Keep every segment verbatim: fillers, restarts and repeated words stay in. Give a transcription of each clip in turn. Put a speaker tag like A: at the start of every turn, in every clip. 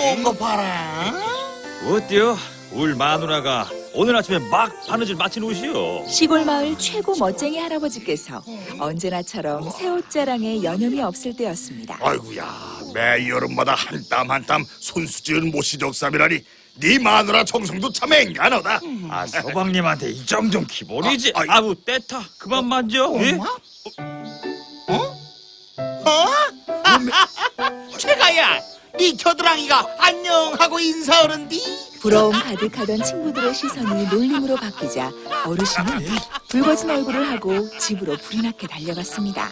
A: 좋은 거 봐라.
B: 어때요? 울 마누라가 오늘 아침에 막 바느질 마친 옷이요.
C: 시골 마을 최고 멋쟁이 할아버지께서 언제나처럼 새 옷 자랑에 여념이 없을 때였습니다.
A: 아이고야, 매 여름마다 한 땀 한 땀 손수지은 모시적삼이라니 네 마누라 정성도 참 앵간하다.
B: 아, 서방님한테 이 정도는 기본이지.
A: 아,
B: 아, 아우 떼타 그만 만져. 예?
A: 어? 어? 최가야, 네 겨드랑이가 안녕하고 인사하는디?
C: 부러움 가득하던 친구들의 시선이 놀림으로 바뀌자 어르신은 붉어진 얼굴을 하고 집으로 불이 나게 달려갔습니다.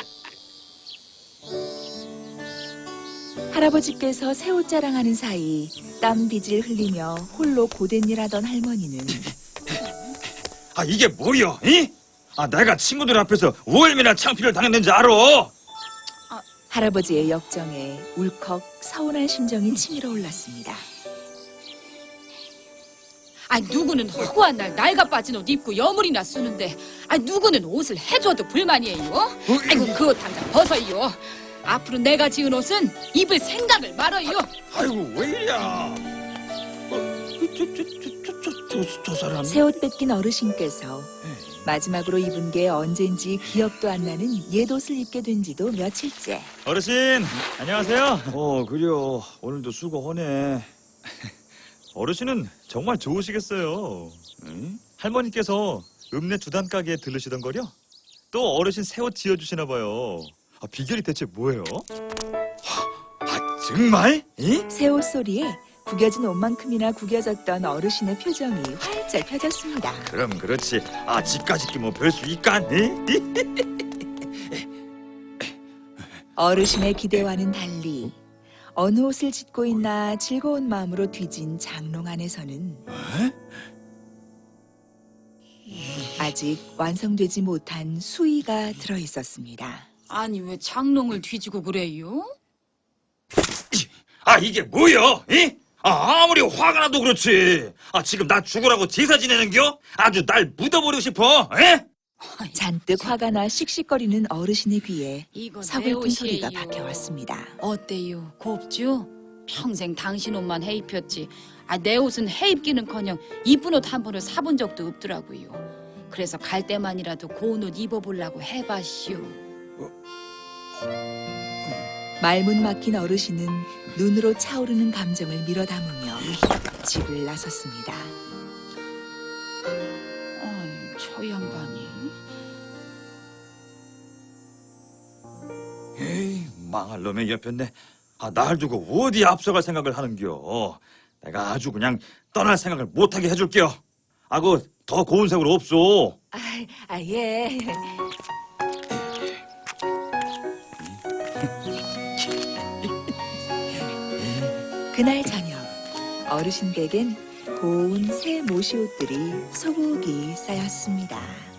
C: 할아버지께서 새 옷 자랑하는 사이 땀 빚을 흘리며 홀로 고된 일하던 할머니는
B: 아, 이게 뭐여? 이? 아, 내가 친구들 앞에서 얼마나 창피를 당했는지 알아?
C: 할아버지의 역정에 울컥 서운한 심정이 치밀어 올랐습니다.
D: 아, 누구는 허구한 날 낡아 빠진 옷 입고 여물이나 쓰는데, 아, 누구는 옷을 해줘도 불만이에요. 아이고, 그 옷 당장 벗어요. 앞으로 내가 지은 옷은 입을 생각을 말아요.
B: 아이고, 왜 이래야? 어, 저, 저, 저, 저, 저, 저, 저 사람.
C: 새 옷 뺏긴 어르신께서 마지막으로 입은 게 언젠지 기억도 안 나는 옛 옷을 입게 된 지도 며칠째.
B: 어르신, 안녕하세요. 어, 그래요. 오늘도 수고하네. 어르신은 정말 좋으시겠어요. 응? 할머니께서 읍내 주단 가게에 들르시던 거려? 또 어르신 새 옷 지어주시나 봐요. 아, 비결이 대체 뭐예요? 아, 정말? 이?
C: 새 옷 소리에 구겨진 옷만큼이나 구겨졌던 어르신의 표정이 활짝 펴졌습니다.
B: 그럼 그렇지. 아, 집까지 끼면 별 수 있간?
C: 어르신의 기대와는 달리 어느 옷을 짓고 있나 즐거운 마음으로 뒤진 장롱 안에서는 아직 완성되지 못한 수의가 들어있었습니다.
D: 아니, 왜 장롱을 뒤지고 그래요?
B: 아, 이게 뭐야? 이? 아, 아무리 화가 나도 그렇지. 아, 지금 나 죽으라고 제사 지내는겨? 아주 날 묻어버리고 싶어. 에?
C: 잔뜩 화가 나 씩씩거리는 어르신의 귀에
D: 이거 내
C: 서글픈 소리가
D: 옷이에요.
C: 박혀왔습니다.
D: 어때요? 곱죠? 평생 당신 옷만 해 입혔지. 아, 내 옷은 해 입기는커녕 이쁜 옷 한 번을 사본 적도 없더라고요. 그래서 갈 때만이라도 고운 옷 입어보려고 해봤슈.
C: 말문 막힌 어르신은 눈으로 차오르는 감정을 밀어 담으며 집을 나섰습니다.
D: 아이, 저 양반이.
B: 에이, 망할 놈의 옆였네. 아, 날 두고 어디 앞서갈 생각을 하는겨. 내가 아주 그냥 떠날 생각을 못하게 해줄게요. 아, 그 더 고운 색으로 없소.
C: 아, 아 예. 그날 저녁 어르신 댁엔 고운 새 모시옷들이 소복이 쌓였습니다.